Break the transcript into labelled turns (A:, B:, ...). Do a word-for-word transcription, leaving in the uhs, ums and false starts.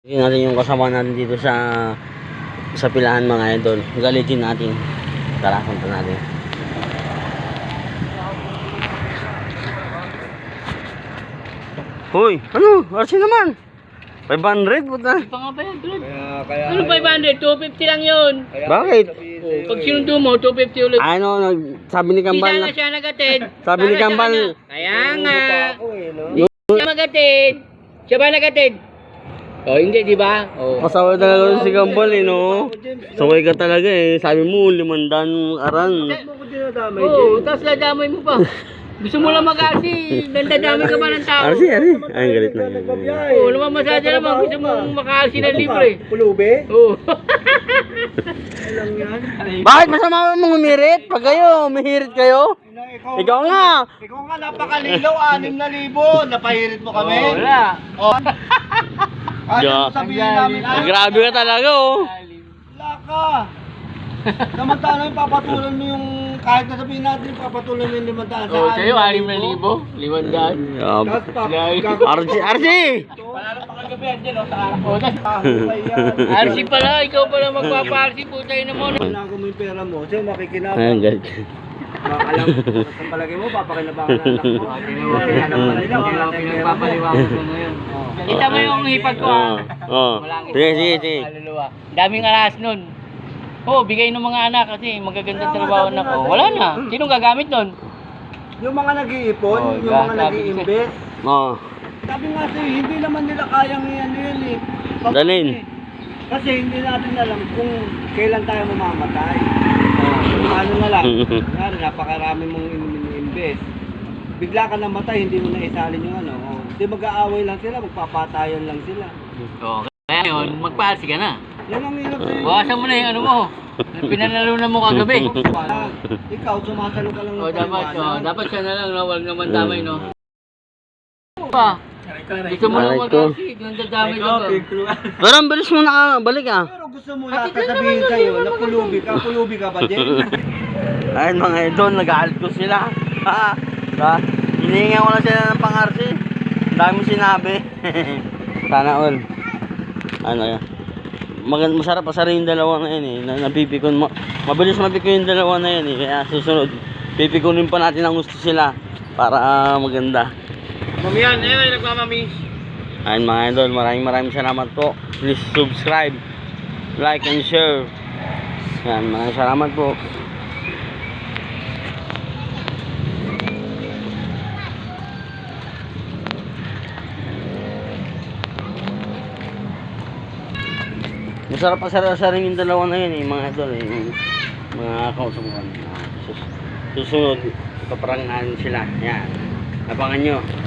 A: Tingnan natin yung kasama natin dito sa sa pilahan mga idol. Galitin natin. Tara, punta natin. Hoy, ano? Arsi naman. five hundred puta.
B: Pa nga ba yan, Brad?
C: Kaya, kaya,
B: Ano five hundred? two fifty lang yun.
C: kaya
A: Bakit?
C: sabihin sa'yo
B: Pag
C: eh.
B: sinundo mo, two fifty ulit.
A: Ano, nag- sabi ni
B: Hindi
A: Kambal
B: sana
A: na.
B: siya nagatid.
A: Sabi ni
B: Para sa
A: Kambal.
B: kanya. Kaya nga.
C: Niluluto pa ako eh, no?
B: Siya magatid. Siya ba nagatid? Oh, hindi, di ba? Oh.
A: Pasaway talaga si Kambal eh, no? Saway ka talaga eh. Sabi mo, limandaan aran.
C: Bakit mo ko dinadamay
B: Oo,
C: din?
B: oh, tapos ladamay mo pa. Gusto mo lang mag-asi, dandadamay ka ba ng tao?
A: Arsi, Arsi. Ay, galit na.
B: Oo, oh, naman masyado naman. Gusto mo maka-asi ng libre.
C: Pulubi?
B: Oo.
C: Alam yan.
A: Bakit masama mong umirit? Pag kayo, umihirit kayo?
C: Ikaw,
A: Ikaw nga.
C: Ikaw nga napakalilaw, anim na libo. Napahirit mo kami.
B: Oh, wala.
C: Oh. Ano
A: Ja.
C: sabihin namin?
A: Ay, grabe ka talaga oh.
C: Wala ka. Samantala yung papatulan mo yung, kahit na sabihin natin, papatulan mo yung limandaan
B: Oo, oh, sa'yo, anim na libo. Limandaan.
A: Um,
C: Tapos pa,
A: Arsi, Arsi!
B: Panalo pa kagabi yan dyan, o, sa araw. Oo, tas-
C: Ahukay yan.
B: R C pala, ikaw pala magpapa-R C po tayo naman.
C: Kailangan mo yung pera mo, siya makikinabang.
A: Ayun, galit.
C: Alam, sa palagay mo, papakinabangan ng anak mo. Alam pala nila, wala tayong pera mo.
B: ko ngayon. Kita mo yung hipag ko,
A: Oo.
B: ha?
A: Oo. Sige, sige, sige.
B: Kaluluwa. Daming aras nun. Oo, bigay ng mga anak kasi magaganda trabaho na ko. Wala na. Sinong gagamit nun?
C: Yung mga nag-iipon,
B: Oh,
C: yung mga
B: grabe.
C: nag-i-invest,
A: Oo.
C: sabi nga sa'yo, hindi naman nila kayang ano yan eh. Pag-
A: Dalhin.
C: Kasi hindi natin alam kung kailan tayo mamamatay. Oh, ano na lang, kunwari, napakarami mong in-invest. Bigla ka namatay, hindi mo na isalin yung ano. Oh, di mag-aaway lang sila, magpapatayan lang sila.
B: Oo. Kaya yun, magpa-R C ka na.
C: Yan ang hirap sa'yo.
B: Bawasan mo na yung ano mo. Pinanalunan mo kagabi.
C: Wala. Ikaw, sumasalo ka lang ng
B: O dapat, oh,
C: paliwanag.
B: dapat siya na lang, no? Huwag naman damay, no? Pa, gusto mo lang
A: Aray ko.
B: mag-R C, nandadamay ka ba?
A: Pero ang bilis mo nakabalik ah.
C: Pero gusto mo lahat sabihin sa'yo na pulubi ka, pulubi ka ba, Jen?
A: Ayun mga idol, nag-aalit ko sila. Ha? Ha? Hinihingan ko lang sila ng pang-arsi. Ang dami sinabi. Sana all. Ano yan? Mag masarap pasarin yung dalawa na yun eh. Na napipikon mo. Mabilis mapikon yung dalawa na yun eh. Kaya susunod, pipikunin pa natin ang gusto sila. Para uh, maganda.
B: Mamiyan, ayun, nagmamami.
A: Ayun mga idol, maraming maraming salamat po. Please subscribe, like and share. Yan, maraming salamat po. Masarap pa sa rin yung dalawa na yun eh, mga idol eh. Yung mga kausubukan. Sus susunod, ipaparangahan sila. Yan. Abangan nyo.